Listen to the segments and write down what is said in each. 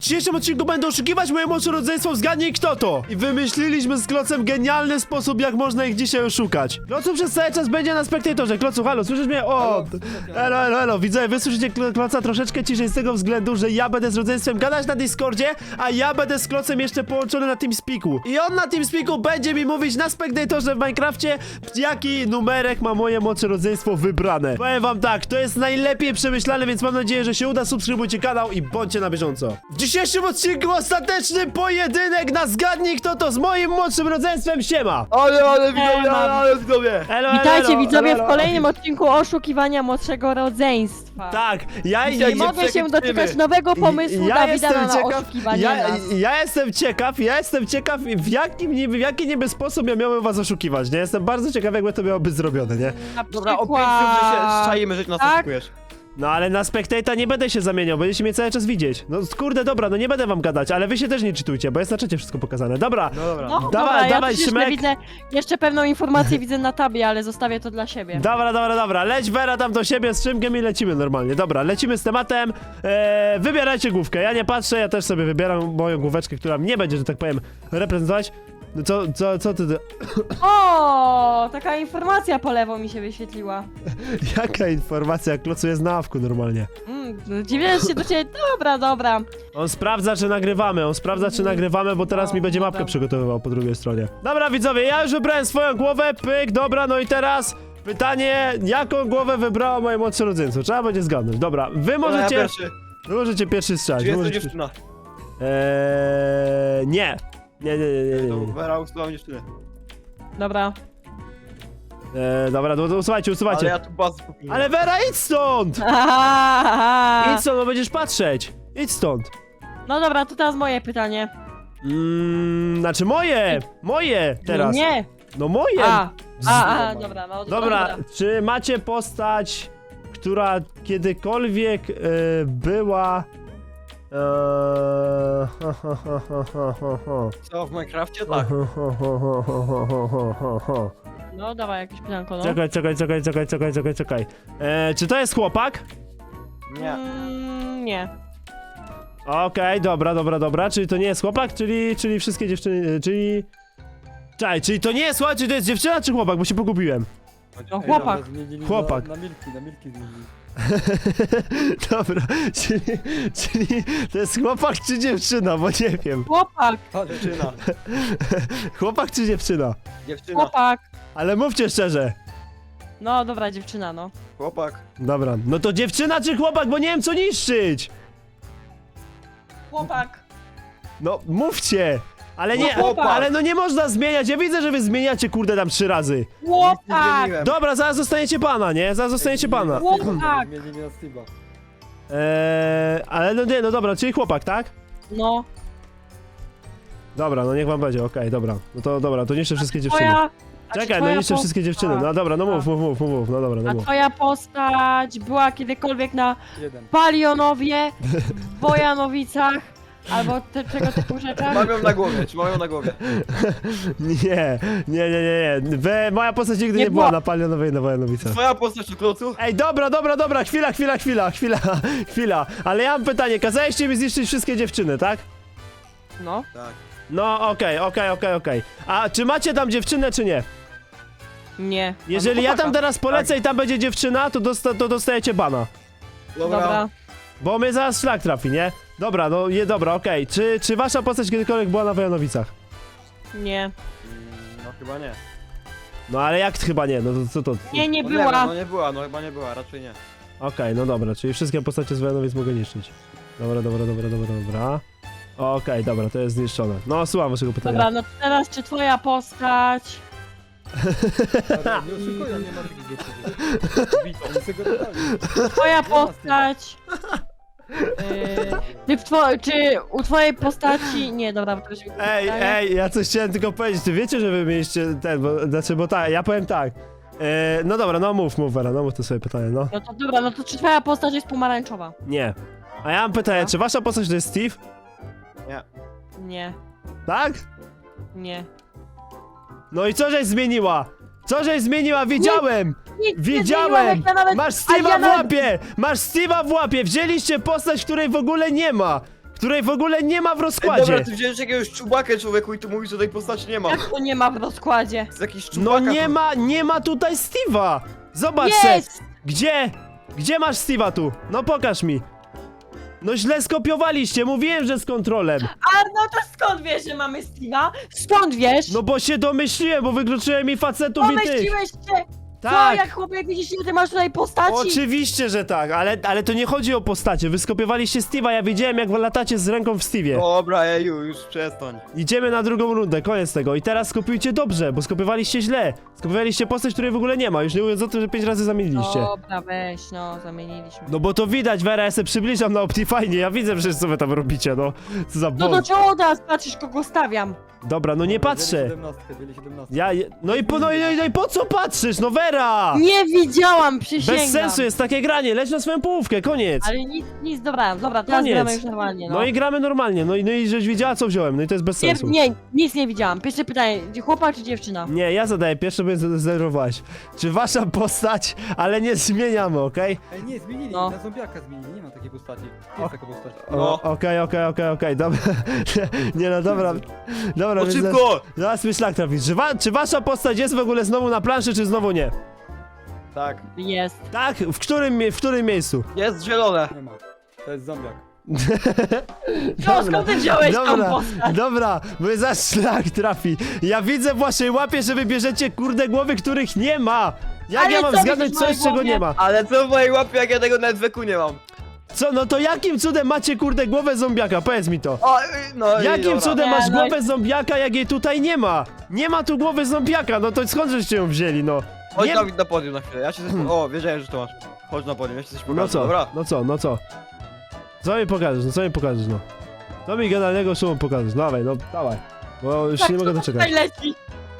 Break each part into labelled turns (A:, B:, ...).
A: dzisiejszym odcinku będę oszukiwać moje młodsze rodzeństwo, zgadnij kto to! I wymyśliliśmy z Klocem genialny sposób, jak można ich dzisiaj oszukać. Klocu przez cały czas będzie na spektatorze. Klocu, halo, słyszysz mnie? O! Elo, widzę, wy słyszycie Kloca troszeczkę ciszej z tego względu, że ja będę z rodzeństwem gadać na Discordzie, a ja będę z Klocem jeszcze połączony na TeamSpeaku. I on na TeamSpeaku będzie mi mówić na spektatorze w Minecrafcie, jaki numerek ma moje młodsze rodzeństwo wybrane. Powiem wam tak, to jest najlepiej przemyślane, więc mam nadzieję, że się uda. Subskrybujcie kanał i bądźcie na bieżąco. W dzisiejszym odcinku ostateczny pojedynek na zgadnij kto to z moim młodszym rodzeństwem. Siema!
B: Ale widzowie!
A: Elo,
C: Witajcie widzowie
A: elo.
C: w kolejnym odcinku oszukiwania młodszego rodzeństwa.
A: Tak, ja
C: I mogę się doczekać nowego pomysłu Dawida na oszukiwanie nas.
A: Ja jestem ciekaw w jaki niby sposób ja miałem was oszukiwać, nie? Jestem bardzo ciekaw, jakby to miało być zrobione, nie?
C: Na
B: Dobra, o 5
C: przykład-
B: że się szczajemy, że nas
C: Tak?
B: oszukujesz.
A: No ale na Spectator nie będę się zamieniał, będziecie mnie cały czas widzieć. No kurde, dobra, no nie będę wam gadać, ale wy się też nie czytujcie, bo jest na czacie wszystko pokazane. Dobra,
B: No dobra.
C: No,
A: Dawaj,
C: dobra,
A: dawaj,
C: ja też jeszcze
A: Szymek.
C: widzę, jeszcze pewną informację widzę na tabie, ale zostawię to dla siebie.
A: dobra, leć Vera tam do siebie z Szymkiem i lecimy normalnie. Dobra, lecimy z tematem, wybierajcie główkę, ja nie patrzę, ja też sobie wybieram moją główeczkę, która mnie będzie, że tak powiem, reprezentować. No co ty...
C: O, taka informacja po lewo mi się wyświetliła.
A: Jaka informacja, jak Klocu jest na awku normalnie.
C: Dziwię się do ciebie, dobra.
A: On sprawdza, czy nagrywamy, bo teraz mi będzie mapkę
C: Dobra.
A: przygotowywał po drugiej stronie. Dobra, widzowie, ja już wybrałem swoją głowę, pyk, dobra, no i teraz pytanie, jaką głowę wybrało moje młodsze rodzeństwo? Trzeba będzie zgadnąć. Dobra, wy
B: Dobra, ja
A: możecie...
B: pierwszy.
A: Wy możecie pierwszy strzelać.
B: Czy
A: wy
B: jest to
A: możecie...
B: dziewczyna?
A: Nie. Nie.
B: To Vera usuwam dziewczynę.
C: Dobra.
A: Dobra, to usuwajcie.
B: Ale ja tu bazę popełniłem.
A: Ale Vera, idź stąd! Idź stąd, bo będziesz patrzeć. Idź stąd.
C: No dobra, to teraz moje pytanie.
A: Znaczy moje teraz.
C: Nie.
A: No moje.
C: Dobra, no
A: Dobra, czy macie postać, która kiedykolwiek była...
B: Co, w Minecrafcie? Tak.
C: No dawaj jakieś pytanko, no.
A: Czekaj. Czy to jest chłopak?
B: Nie.
C: Nie.
A: Okej, dobra. Czyli to nie jest chłopak, czyli wszystkie dziewczyny, czyli... Czekaj, czyli to nie jest chłopak, czy to jest dziewczyna, czy chłopak, bo się pogubiłem.
C: No chłopak.
A: Chłopak.
D: Na milki zmienili.
A: Dobra, czyli to jest chłopak czy dziewczyna, bo nie wiem.
C: Chłopak.
B: Dziewczyna.
A: Chłopak czy dziewczyna?
B: Dziewczyna.
C: Chłopak.
A: Ale mówcie szczerze.
C: No dobra, dziewczyna, no.
B: Chłopak.
A: Dobra, no to dziewczyna czy chłopak, bo nie wiem co niszczyć.
C: Chłopak.
A: No mówcie. Ale nie,
C: chłopak.
A: ale no nie można zmieniać, ja widzę, że wy zmieniacie kurde tam 3 razy.
B: Nie
C: Chłopak.
B: zmieniłem.
A: Dobra, zaraz zostaniecie pana, nie? Zaraz zostaniecie pana.
C: Chłopak.
D: Zmienili na Steve'a.
A: Ale no nie, no dobra, czyli chłopak, tak?
C: No.
A: Dobra, no niech wam będzie, okej, dobra. No to dobra, to niszczę wszystkie dziewczyny.
C: Twoja...
A: Czekaj, no niszczę wszystkie dziewczyny. No dobra, no mów, no dobra, no
C: A
A: mów.
C: twoja postać była kiedykolwiek na
D: Jeden.
C: Palionowie, Bojanowicach, albo tego typu rzeczach?
B: Mam ją na głowie, czy mam ją na głowie?
A: Nie. Moja postać nigdy nie,
C: Nie
A: była
C: było.
A: na Palionowej na Wojanowicach.
B: Twoja postać na klocu?
A: Ej, dobra, chwila. Ale ja mam pytanie, kazaliście mi zniszczyć wszystkie dziewczyny, tak?
C: No.
B: Tak.
A: No, okej. A czy macie tam dziewczynę, czy nie?
C: Nie.
A: Jeżeli ja tam
C: chłopaka.
A: teraz polecę i tam będzie dziewczyna, to dostajecie bana.
C: Dobra.
A: Bo mnie zaraz szlak trafi, nie? Dobra, dobra, okej. Czy wasza postać kiedykolwiek była na Wojanowicach?
C: Nie.
B: No chyba nie.
A: No ale jak chyba nie, no to co to?
C: Nie
B: No nie wiem,
C: była.
B: no nie była, no chyba nie była, raczej nie.
A: Okej, no dobra, czyli wszystkie postacie z Wojanowic mogę niszczyć. Dobra. Okej, dobra, to jest zniszczone. No, słucham waszego pytania.
C: Dobra, no to teraz czy twoja postać...
D: Ale nie oszukuję, nie ma takich rzeczy. Witam, oni sobie go dodali.
C: Twoja postać... czy u twojej postaci... Nie, dobra, bo to już...
A: Ej, ja coś chciałem tylko powiedzieć, ty wiecie, że wy mieliście ten, bo tak, ja powiem tak. No dobra, no mów Vera, no mów to sobie pytanie, no.
C: No to dobra, no to czy twoja postać jest pomarańczowa?
A: Nie. A ja mam pytanie, czy wasza postać to jest Steve?
C: Nie.
A: Tak?
C: Nie.
A: No i co żeś zmieniła? Widziałem!
C: Nic
A: Widziałem!
C: nie zmieniłam, jak ja nawet...
A: Masz
C: a ja
A: Steve'a w
C: nawet-
A: łapie! Wzięliście postać, której w ogóle nie ma! której w ogóle nie ma w
B: Ej,
A: rozkładzie.
B: dobra, ty wziąłeś jakiegoś czubakę, człowieku, i tu mówisz, że tej postaci nie ma.
C: Jak to nie ma w rozkładzie?
B: Jest jakiś
A: No
B: czubaka.
A: nie ma tutaj Steve'a. Zobacz se.
C: Jest!
A: Gdzie? Gdzie masz Steve'a tu? No pokaż mi. No źle skopiowaliście, mówiłem, że z kontrolem.
C: A no to skąd wiesz, że mamy Steve'a? Skąd wiesz?
A: No bo się domyśliłem, bo wykluczyłem mi facetów i tych.
C: Pomyśliłeś się! Co,
A: Tak.
C: jak chłopie widzisz, ile ty masz tutaj postaci?
A: Oczywiście, że tak, ale to nie chodzi o postacie. Wy skopiowaliście Steve'a, ja wiedziałem jak latacie z ręką w Steve'ie.
B: Dobra, eju, już przestań.
A: Idziemy na drugą rundę, koniec tego. I teraz skopiujcie dobrze, bo skopiowaliście źle. Skopiowaliście postać, której w ogóle nie ma, już nie mówiąc o tym, że 5 razy zamieniliście.
C: Dobra, weź, no, zamieniliśmy.
A: No bo to widać, Vera, ja se przybliżam na Optifine, ja widzę przecież co wy tam robicie, no. Co za
C: No to
A: błąd.
C: czemu teraz patrzysz, kogo stawiam?
A: Dobra, no nie patrzę.
D: Byli 17.
A: No i po co patrzysz, no Vera!
C: Nie widziałam, przysięgam.
A: Bez sensu jest takie granie, leć na swoją połówkę, koniec.
C: Ale nic, dobra, teraz
A: Koniec.
C: gramy już normalnie, no.
A: No i gramy normalnie, no i żeś widziała co wziąłem, no i to jest bez sensu.
C: Nie, nic nie widziałam. Pierwsze pytanie, chłopak czy dziewczyna?
A: Nie, ja zadaję pierwsze, bo zdenerwowałaś. Czy wasza postać, ale nie zmieniamy, okej?
D: Ej, nie, zmienili,
C: No.
D: na zombiaka zmienili, nie ma takiej postaci.
A: O.
D: Jest taka postać.
B: No.
A: Okej, dobra. Nie no, dobra. Dobra,
B: No
A: więc
B: szybko!
A: zaraz mi szlak trafi. Czy wasza postać jest w ogóle znowu na planszy, czy znowu nie?
B: Tak.
C: Jest.
A: Tak? W którym miejscu?
B: Jest zielone.
D: Nie ma. To jest zombiak.
C: No, skąd ty wziąłeś tą
A: Dobra,
C: postać?
A: dobra, bo za szlak trafi. Ja widzę w waszej łapie, że wybierzecie kurde głowy, których nie ma. Jak
C: Ale
A: ja mam
C: co
A: zgadnąć
C: widzisz w
A: coś,
C: mojej
A: czego nie
C: głowie?
A: ma?
B: Ale co w mojej łapie, jak ja tego nawet weku nie mam?
A: Co, no to jakim cudem macie kurde głowę zombiaka? Powiedz mi to.
B: O, no i
A: Jakim
B: dobra.
A: cudem
C: Nie,
A: masz
C: no i-
A: głowę zombiaka, jak jej tutaj nie ma? Nie ma tu głowy zombiaka, no to skąd żeście ją wzięli, no?
B: Chodź
A: Nie...
B: Dawid na podium na chwilę, ja się coś... O, wiedziałem, że to masz. Chodź na podium, ja ci coś pokażę,
A: No co,
B: dobra?
A: no co? Co mi pokażesz, no? Co mi generalnego szumą pokażesz? Dawaj, no dawaj. Bo już
C: Tak,
A: nie mogę
C: co
A: doczekać.
C: tutaj leci?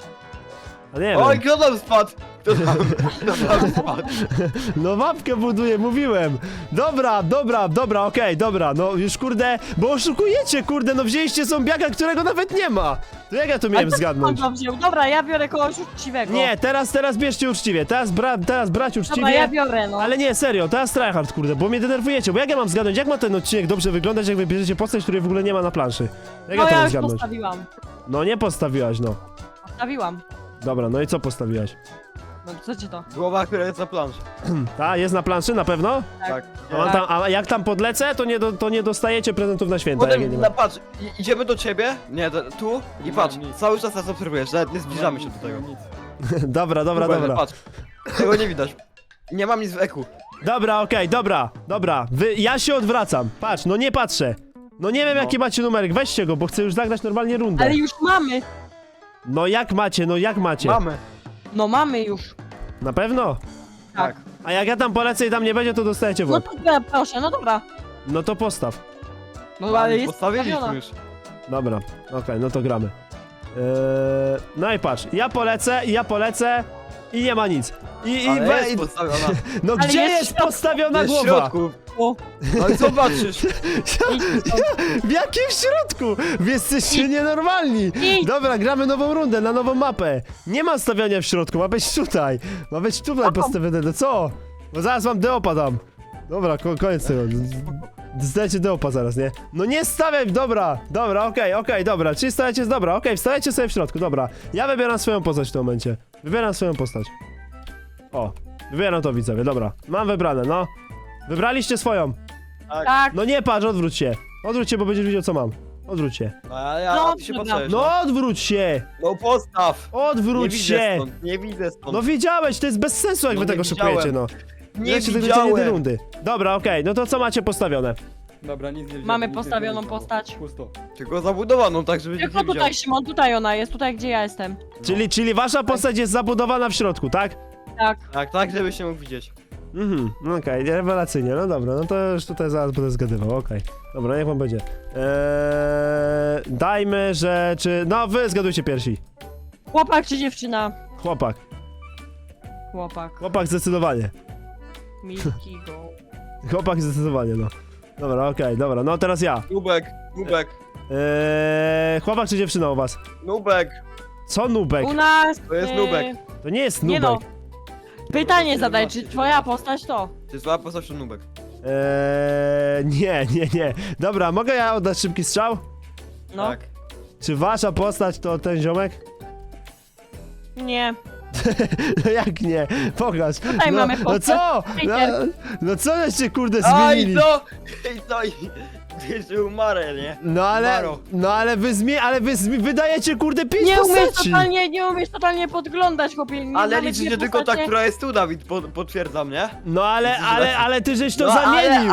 A: A nie
B: Oj,
A: wiem.
B: kto tam spadł? Kto tam spadł?
A: No mapkę buduję, mówiłem. Dobra, okej, dobra, no już kurde, bo oszukujecie, kurde, no wzięliście zombiaka, którego nawet nie ma. To jak ja to miałem
C: Ale
A: zgadnąć?
C: skąd to wziął? Dobra, ja biorę kogoś uczciwego.
A: Nie, teraz bierzcie uczciwie, teraz brać uczciwie.
C: Dobra, ja biorę, no.
A: Ale nie, serio, teraz tryhard, kurde, bo mnie denerwujecie, bo jak ja mam zgadnąć, jak ma ten odcinek dobrze wyglądać, jak wy bierzecie postać, której w ogóle nie ma na planszy? Jak
C: No
A: ja to
C: ja
A: mam
C: już
A: zgadnąć?
C: postawiłam.
A: No nie postawiłaś, no.
C: Postawiłam.
A: Dobra, no i co postawiłaś?
C: No co ci to?
B: Głowa, która jest na planszy.
A: Ta, jest na planszy, na pewno?
B: Tak.
A: A jak tam podlecę, to nie dostajecie prezentów na święta, jak ja nie
B: Potem,
A: ma.
B: patrz, idziemy do ciebie, nie, tu i
D: Nie
B: patrz,
D: mam nic.
B: cały czas nas obserwujesz, nawet nie zbliżamy się do tego.
D: Nic.
A: Dobra,
B: Patrz, tego nie widać. Nie mam nic w eku.
A: Dobra, okej, dobra. Ja się odwracam. Patrz, no nie patrzę. No nie wiem
B: No.
A: jaki macie numerek, weźcie go, bo chcę już zagrać normalnie rundę.
C: Ale już mamy.
A: No jak macie?
B: Mamy.
C: No mamy już.
A: Na pewno?
C: Tak.
A: A jak ja tam polecę i tam nie będzie, to dostajecie w
C: No
A: łeb.
C: to proszę, no dobra.
A: No to postaw.
C: No ale jest
B: Postawiliśmy
C: postawiona.
B: już.
A: Dobra, okej, no to gramy. No i patrz, ja polecę i nie ma nic.
B: Ale jest postawiona.
A: No
C: Ale
A: gdzie
C: jest
A: jest
C: w środku.
A: postawiona
B: Jest w
A: głowa?
B: środku.
C: O,
B: No i co patrzysz?
C: idź stąd.
A: W jakim środku? Wy jesteście nienormalni.
C: Idź.
A: Dobra, gramy nową rundę, na nową mapę. Nie ma stawiania w środku, ma być tutaj. Ma być tutaj postawione, no co? Bo zaraz wam deopa dam. Dobra, koniec tego. Zdajcie deopa zaraz, nie? No nie stawiaj, dobra, okej, dobra. Czyli stawiacie, dobra, okej, wstajecie sobie w środku, dobra. Ja wybieram swoją postać w tym momencie. Wybieram swoją postać. O, wybieram to, widzowie, dobra. Mam wybrane, no. Wybraliście swoją.
C: Tak.
A: No nie patrz, odwróć się. Odwróć się, bo będziesz widział co mam. Odwróć się.
B: A ty się
C: dobra.
B: patrzysz.
A: No odwróć się!
B: No postaw. Nie
A: Odwróć
B: widzę
A: się!
B: stąd, nie widzę stąd.
A: No widziałeś, to jest bez sensu jak
B: No
A: wy
B: nie
A: tego
B: widziałem.
A: szykujecie, no.
B: nie
A: Lecie tego jednej
B: widziałem.
A: rundy. Dobra, okej, no to co macie postawione?
D: Dobra, nic nie wziąłem,
C: Mamy
D: nic nie
C: postawioną
D: wziąłem.
C: postać.
D: Pusto.
B: Tylko zabudowaną, tak żeby nikt
C: Tylko
B: nie widział.
C: tutaj, Szymon, tutaj ona jest, tutaj gdzie ja jestem.
A: Czyli wasza postać jest zabudowana w środku, tak?
C: Tak.
B: Tak, żebyś się mógł widzieć.
A: Mhm, okej, rewelacyjnie, no dobra, no to już tutaj zaraz będę zgadywał, okej. Dobra, niech wam będzie. Dajmy, że czy... No, wy zgadujcie pierwsi.
C: Chłopak czy dziewczyna?
A: Chłopak.
C: Chłopak.
A: Zdecydowanie.
C: Milki go.
A: Chłopak zdecydowanie, no. Dobra, okej, dobra, no teraz ja.
B: Nubek.
A: Chłopak czy dziewczyna u was?
B: Nubek.
A: Co nubek?
C: U nas...
B: To jest nubek.
A: To nie jest
C: Nie
A: nubek.
C: no. Pytanie zadaj, czy twoja postać to?
B: To jest zła postać, to nubek.
A: Nie. Dobra, mogę ja oddać szybki strzał?
C: No,
B: Tak.
A: Czy wasza postać to ten ziomek?
C: nie.
A: No jak nie? Pokaż.
C: Tutaj mamy
A: No
C: postać.
A: co?
C: Peter.
A: No co żeście kurde
B: A i
A: zmienili?
B: to! I to i... Ty umarę, nie?
A: No ale wy dajecie kurde 5 postaci.
C: Nie umiesz totalnie podglądać, chłopie. Nie
B: Ale
C: mamy
B: liczy
C: dwie
B: się tylko ta,
C: postacie.
B: która jest tu, Dawid, potwierdzam, nie?
A: No ale ty żeś to
B: No,
A: zamienił.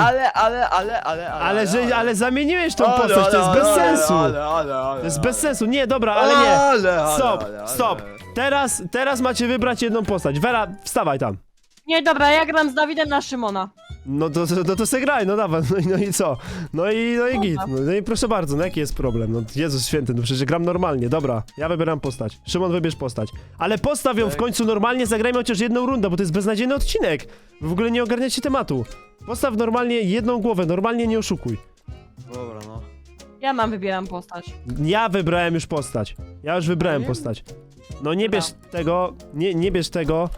B: Ale
A: Zamieniłeś tą postać, to jest bez sensu.
B: To
A: To jest bez sensu. Nie, dobra, ale nie. Stop.
B: Ale.
A: Teraz macie wybrać jedną postać. Vera, wstawaj tam.
C: Nie, dobra, ja gram z Dawidem na Szymona.
A: No to se graj, no dawaj, no i co? No i git, no i proszę bardzo, no jaki jest problem? No Jezus święty, no przecież gram normalnie, dobra, ja wybieram postać. Szymon, wybierz postać. Ale postaw ją w końcu normalnie, zagrajmy chociaż jedną rundę, bo to jest beznadziejny odcinek. Wy w ogóle nie ogarniacie tematu. Postaw normalnie jedną głowę, normalnie nie oszukuj.
B: Dobra, no.
C: Ja wybieram postać.
A: Ja wybrałem już postać. Ja już wybrałem
D: Nie?
A: postać. No nie bierz tego, nie bierz tego,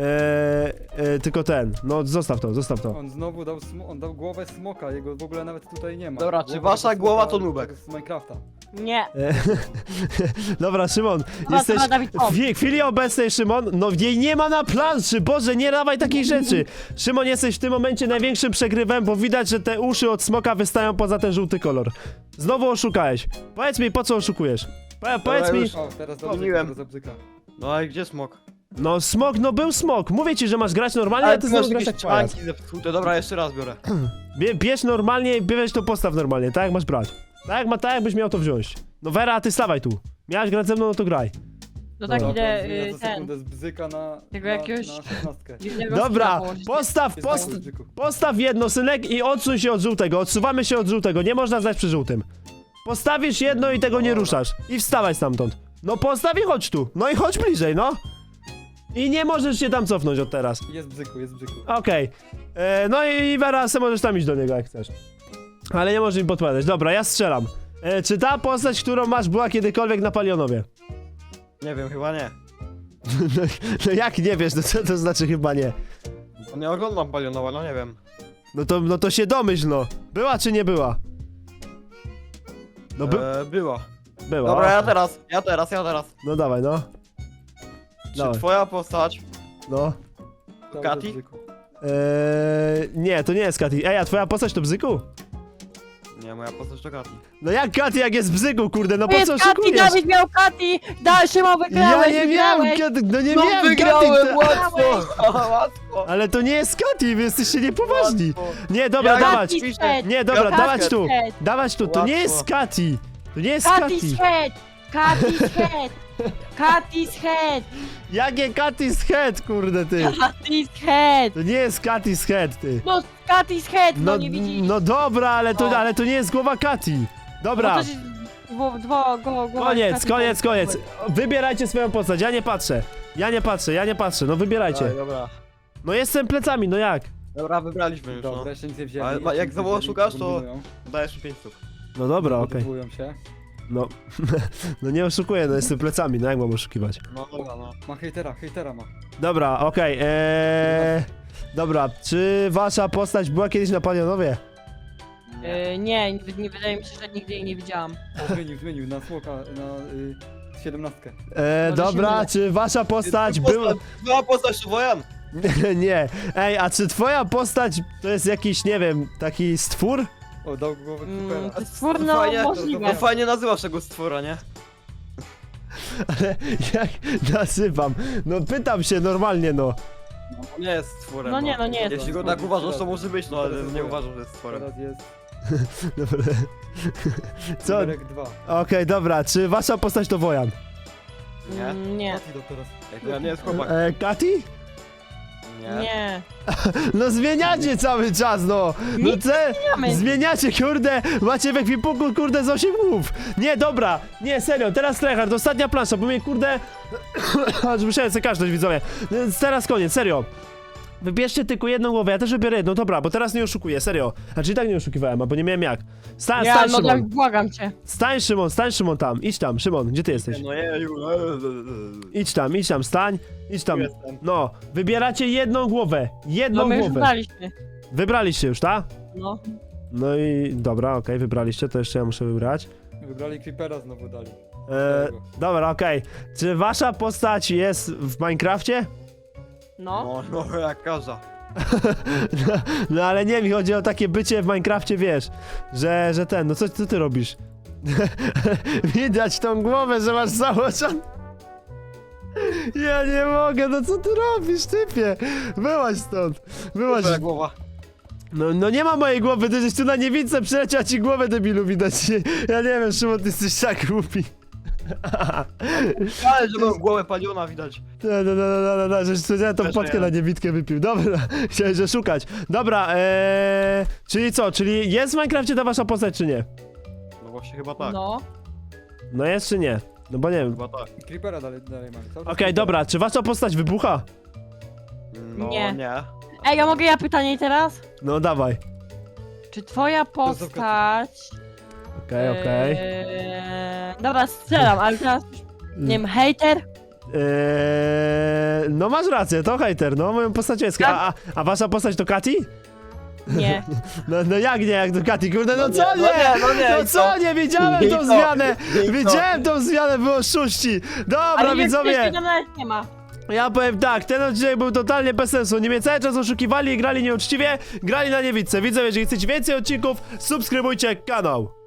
A: tylko ten. No zostaw to.
D: On znowu dał, on dał głowę smoka, jego w ogóle nawet tutaj nie ma.
B: Dobra, czy
D: Głowa
B: wasza
D: tego
B: głowa
D: smoka
B: to nubek?
D: Z Minecrafta.
C: Nie.
A: Dobra, Szymon,
C: Dobra,
A: jesteś
C: dobra, Dawid, o.
A: w chwili obecnej, Szymon, no jej nie ma na planszy, Boże, nie dawaj takich rzeczy. Szymon, jesteś w tym momencie największym przegrywem, bo widać, że te uszy od smoka wystają poza ten żółty kolor. Znowu oszukałeś. Powiedz mi, po co oszukujesz? Powiedz mi,
B: już-
D: O, teraz
B: Pomyliłem.
D: dobrze, bzyka.
B: No i gdzie smok?
A: no smok, no był smok. Mówię ci, że masz grać normalnie, a ty
B: ty
A: znowu
B: masz
A: grasz
B: jakieś
A: jak pajac.
B: czanki zepsute, dobra, jeszcze raz biorę.
A: Bierz normalnie, bierz to postaw normalnie, tak jak masz brać. Tak jakbyś miał to wziąć. No Vera, ty stawaj tu. Miałeś grać ze mną, no to graj.
C: To tak
A: Dobra.
C: idę,
D: Ja za
C: ten.
D: sekundę z bzyka na,
C: Tego
D: na,
C: jakiegoś-
D: na 16.
C: dziwnego
A: Dobra,
C: skilla położyć.
A: postaw jedno, synek, i odsuń się od żółtego. Odsuwamy się od żółtego, nie można zdać przy żółtym. Postawisz jedno i tego nie ruszasz. I wstawaj stamtąd. No postaw i chodź tu. No i chodź bliżej, no. I nie możesz się tam cofnąć od teraz.
D: Jest bzyku.
A: Okej. No i Vera, se możesz tam iść do niego jak chcesz. Ale nie możesz mi podpowiadać. Dobra, ja strzelam. Czy ta postać, którą masz, była kiedykolwiek na Palionowie?
B: Nie wiem, chyba nie.
A: No jak nie wiesz, no co to znaczy chyba nie?
B: Nie oglądam Palionowa, no nie wiem.
A: No to się domyśl, no. Była czy nie była? No
B: Była.
A: była.
B: Dobra, ja teraz.
A: No dawaj, no.
B: Czy
A: Dawaj.
B: twoja postać...
A: No.
B: Kati?
A: Nie, to nie jest Kati. Ej, a twoja postać to Bzyku?
B: Nie, moja postać to Kati.
A: No jak Kati, jak jest Bzyku, kurde, no
C: To
A: po
C: jest
A: co
C: Kati,
A: szykujesz?
C: Dawid miał Kati! Szymon,
A: Ja
C: wygrałeś,
A: nie miałem
C: wygrałeś.
A: Kati, no nie miałem Kati.
B: łatwo!
A: Ale to nie jest Kati, wy jesteście niepoważni. Nie, dobra,
B: Ja-
A: dawać.
C: Kati Shed.
A: Nie, dobra,
B: Ja-
A: dawać tu.
C: Shed.
A: Dawać tu, to nie jest
B: Łatwo.
A: Kati. To nie jest
C: Kati
A: Kati.
C: Shed. Kati Shed. Kati Shed.
A: Jakie Kati's head, kurde, ty.
C: Kati Shed.
A: To nie jest Kati's head, ty.
C: No, Kati Shed, no nie widzisz.
A: No dobra,
C: No.
A: ale to nie jest głowa Kati. Dobra.
C: No to się-
A: Koniec,
C: Kati-
A: koniec. Wybierajcie swoją postać, ja nie patrzę. No wybierajcie.
B: Dobra.
A: No jestem plecami, no jak?
B: Dobra, wybraliśmy już,
D: Dobra,
B: no.
D: jeszcze nic nie wzięli.
B: Ale
D: jeszcze
B: jak
D: nic
B: znowu
D: nie wzięli,
B: oszukasz, to-
D: kombinują.
B: Dajesz mi 5 stóp.
A: No dobra, okej.
D: Motywują się.
A: No, no nie oszukuję, no jestem plecami, no jak mam oszukiwać?
B: No dobra, no.
D: Ma hejtera ma.
A: Dobra, okej, dobra, czy wasza postać była kiedyś na Palionowie?
C: Nie wydaje mi się, że nigdy jej nie widziałam.
D: O, zmienił na smoka, na 17.
C: Może się
A: Dobra,
C: mylę.
A: czy wasza postać była...
B: Była postać to Wojan!
A: Nie, ej, a czy twoja postać to jest jakiś, nie wiem, taki stwór?
D: O, dał głowę creepera.
C: To jest twór, no
B: Fajnie,
C: możliwe.
B: No fajnie nazywasz tego stwora, nie?
A: Ale jak nazywam? No pytam się normalnie, no.
B: On nie jest stworem.
C: No nie, no nie jest.
B: Jeśli go tak uważasz, to może być, no ale nie uważam, że jest stworem.
D: Teraz jest
A: Dobra. Co?
D: numerek 2.
A: Okej, dobra, czy wasza postać to Wojan?
B: Nie?
C: Nie,
D: Kati dał teraz.
B: Ja nie jest chłopak.
A: Kati?
C: nie.
A: No zmieniacie cały czas, no! No
C: Nic
A: zmieniamy. Zmieniacie, kurde! Macie w ekwipunku, kurde, z 8 głów! Nie, dobra! Nie, serio, teraz tryhard, ostatnia plansza, bo mnie, kurde... Aż musiałem sobie każdość, widzowie. Więc teraz koniec, serio. Wybierzcie tylko jedną głowę, ja też wybiorę jedną, dobra, bo teraz nie oszukuję, serio. Znaczy i tak nie oszukiwałem, bo nie miałem jak. Stań,
C: Ja,
A: stań,
C: no
A: Szymon.
C: tak, błagam cię.
A: Stań, Szymon tam, idź tam, Szymon, gdzie ty jesteś?
B: No jeju.
A: Idź tam, stań, idź tam.
B: Jestem.
A: No, wybieracie jedną głowę,
C: No
A: jedną
C: my już
A: głowę.
C: wybraliśmy.
A: Wybraliście już, tak?
C: No.
A: No i dobra, okej, wybraliście, to jeszcze ja muszę wybrać.
D: Wybrali Creepera, znowu dali.
A: Dobra, okej. Czy wasza postać jest w Minecrafcie?
C: No.
B: No, jak kaza.
A: No ale nie, mi chodzi o takie bycie w Minecrafcie, wiesz, że ten, no co ty robisz? Widać tą głowę, że masz założoną. Ja nie mogę, no co ty robisz, typie? Byłaś stąd, byłaś.
B: Twoja głowa.
A: No nie ma mojej głowy, ty żeś tu na niewidce przyleciał, ci głowę debilu widać. Ja nie wiem, Szymon, ty jesteś tak głupi.
B: Ale że mam głowę paliona widać.
A: No, żeś specjalnie tą
B: Też
A: potkę
B: nie.
A: na niewidkę wypił. Dobra, chciałem że szukać. Dobra, czyli co, czyli jest w Minecrafcie ta wasza postać, czy nie?
B: No właśnie chyba tak.
C: No.
A: No jest, czy nie? No bo nie wiem.
B: Chyba tak.
D: Creepera dalej mamy. Cały czas
A: Okej,
D: Creepera.
A: dobra, czy wasza postać wybucha?
B: No
C: Nie.
B: nie.
C: Ej, a mogę ja pytanie teraz?
A: No dawaj.
C: Czy twoja postać...
A: Okej.
C: Dobra, strzelam, ale teraz... Nie wiem, hejter?
A: No masz rację, to hejter, no moją postać jest. A wasza postać to Kati?
C: Nie.
A: No jak nie, jak to Kati, kurde, no
B: No
A: co
B: nie,
A: nie?
B: no nie,
A: No
B: i
A: co
B: co?
A: nie, widziałem
B: I
A: tą
B: co?
A: zmianę!
B: I co?
A: Widziałem tą zmianę, było oszuści! Dobra,
C: Ale
A: widzowie!
C: tam nawet nie ma.
A: Ja powiem tak, ten odcinek był totalnie bez sensu. Oni mnie cały czas oszukiwali i grali nieuczciwie, grali na niewidce. Widzowie, jeżeli chcecie więcej odcinków, subskrybujcie kanał.